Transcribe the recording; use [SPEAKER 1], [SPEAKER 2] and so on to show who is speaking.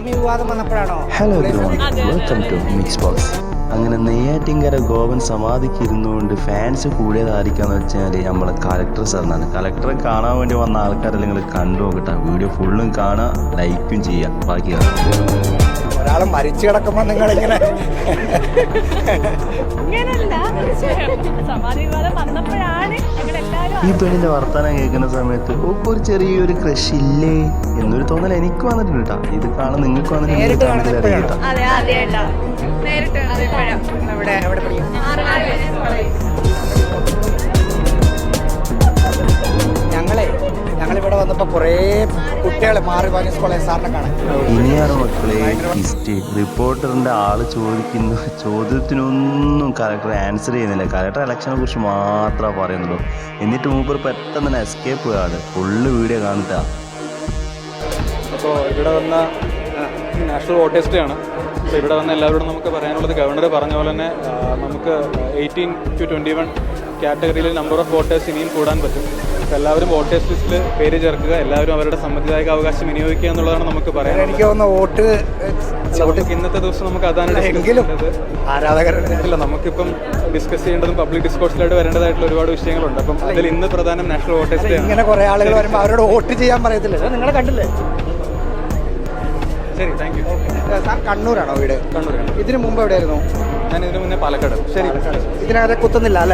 [SPEAKER 1] വിവാദം വന്നപ്പോഴാണോ?
[SPEAKER 2] Hello welcome to mix box. അങ്ങനെ നെയ്യാറ്റിൻകര ഗോവൻ സമാധിക്ക് ഇരുന്നുകൊണ്ട് ഫാൻസ് കൂടിയതായിരിക്കാന്ന് വെച്ചാൽ നമ്മളെ കളക്ടർ സാറിനാണ്. കളക്ടറെ കാണാൻ വേണ്ടി വന്ന ആൾക്കാരെല്ലാം നിങ്ങൾ കണ്ടു നോക്കട്ടെ. വീഡിയോ ഫുള്ളും കാണാം, ലൈക്കും ചെയ്യാം. ബാക്കി
[SPEAKER 1] ഒരാൾ മരിച്ചു കിടക്കുമ്പോൾ നിങ്ങളിങ്ങനെ
[SPEAKER 2] ഈ പെണ്ണിന്റെ വർത്തമാനം കേൾക്കുന്ന സമയത്ത് ഒരു ചെറിയൊരു ക്രഷ് ഇല്ലേ എന്നൊരു തോന്നൽ എനിക്ക് വന്നിട്ടുണ്ട് കേട്ടോ. ഇത് കാണാൻ നിങ്ങൾക്ക് വന്നിട്ടുണ്ട്.
[SPEAKER 1] ഞങ്ങളിവിടെ വന്നപ്പോൾ കുറേ കുട്ടികൾ മാറി വാങ്ങി കോളേജ് സാറിനെ കാണാൻ.
[SPEAKER 2] ഇനിയാണ് മക്കളെ ഹിസ്റ്ററി. റിപ്പോർട്ടറിന്റെ ആള് ചോദിക്കുന്ന ചോദ്യത്തിനൊന്നും കലക്ടർ ആൻസർ ചെയ്യുന്നില്ല. കലക്ടർ ഇലക്ഷനെ കുറിച്ച് മാത്രമേ പറയുന്നുള്ളൂ. എന്നിട്ട് മൂപ്പർ പെട്ടെന്ന് തന്നെ എസ്കേപ്പ് ആണ്. ഫുള്ള് വീഡിയോ കാണുക.
[SPEAKER 3] അപ്പോൾ ഇവിടെ വന്ന നാഷണൽ വോട്ടേഴ്സ് ഡേ ആണ്. അപ്പോൾ ഇവിടെ വന്ന എല്ലാവരോടും നമുക്ക് പറയാനുള്ളത് ഗവർണർ പറഞ്ഞ പോലെ തന്നെ നമുക്ക് 18 to 21 കാറ്റഗറിയിൽ നമ്പർ ഓഫ് വോട്ടേഴ്സ് ഇനിയും കൂടാൻ പറ്റും. അപ്പോൾ എല്ലാവരും വോട്ടേഴ്സ് ലിസ്റ്റിൽ പേര് ചേർക്കുക, എല്ലാവരും അവരുടെ സമ്മതിദായക അവകാശം വിനിയോഗിക്കുക എന്നുള്ളതാണ് നമുക്ക് പറയാനുള്ളത്.
[SPEAKER 1] എനിക്ക് തോന്നുന്നു വോട്ട്
[SPEAKER 3] ഇന്നത്തെ ദിവസം നമുക്ക് അതാണ് ആരാധകരില്ല. നമുക്കിപ്പം ഡിസ്കസ് ചെയ്യേണ്ടതും പബ്ലിക് ഡിസ്കോഴ്സിലായിട്ട് വരേണ്ടതായിട്ടുള്ള ഒരുപാട് വിഷയങ്ങളുണ്ട്. അപ്പം അതിൽ ഇന്ന് പ്രധാനം നാഷണൽ വോട്ടേഴ്സ് ഡേ ആണ്.
[SPEAKER 1] ഇങ്ങനെ കുറേ ആളുകൾ വരുമ്പോൾ അവരോട് വോട്ട് ചെയ്യാൻ പറയത്തില്ല. നിങ്ങൾ കണ്ടില്ലേ?
[SPEAKER 3] ശരി, താങ്ക് യു.
[SPEAKER 1] സാർ കണ്ണൂരാണോ വീട്?
[SPEAKER 3] കണ്ണൂർ.
[SPEAKER 1] ഇതിനു മുമ്പ് എവിടെയായിരുന്നു?
[SPEAKER 3] ഞാൻ ഇതിനു മുന്നേ പാലക്കാട്.
[SPEAKER 1] ശരി, ഇതിനകത്ത് കുത്തുന്നില്ല അല്ലേ?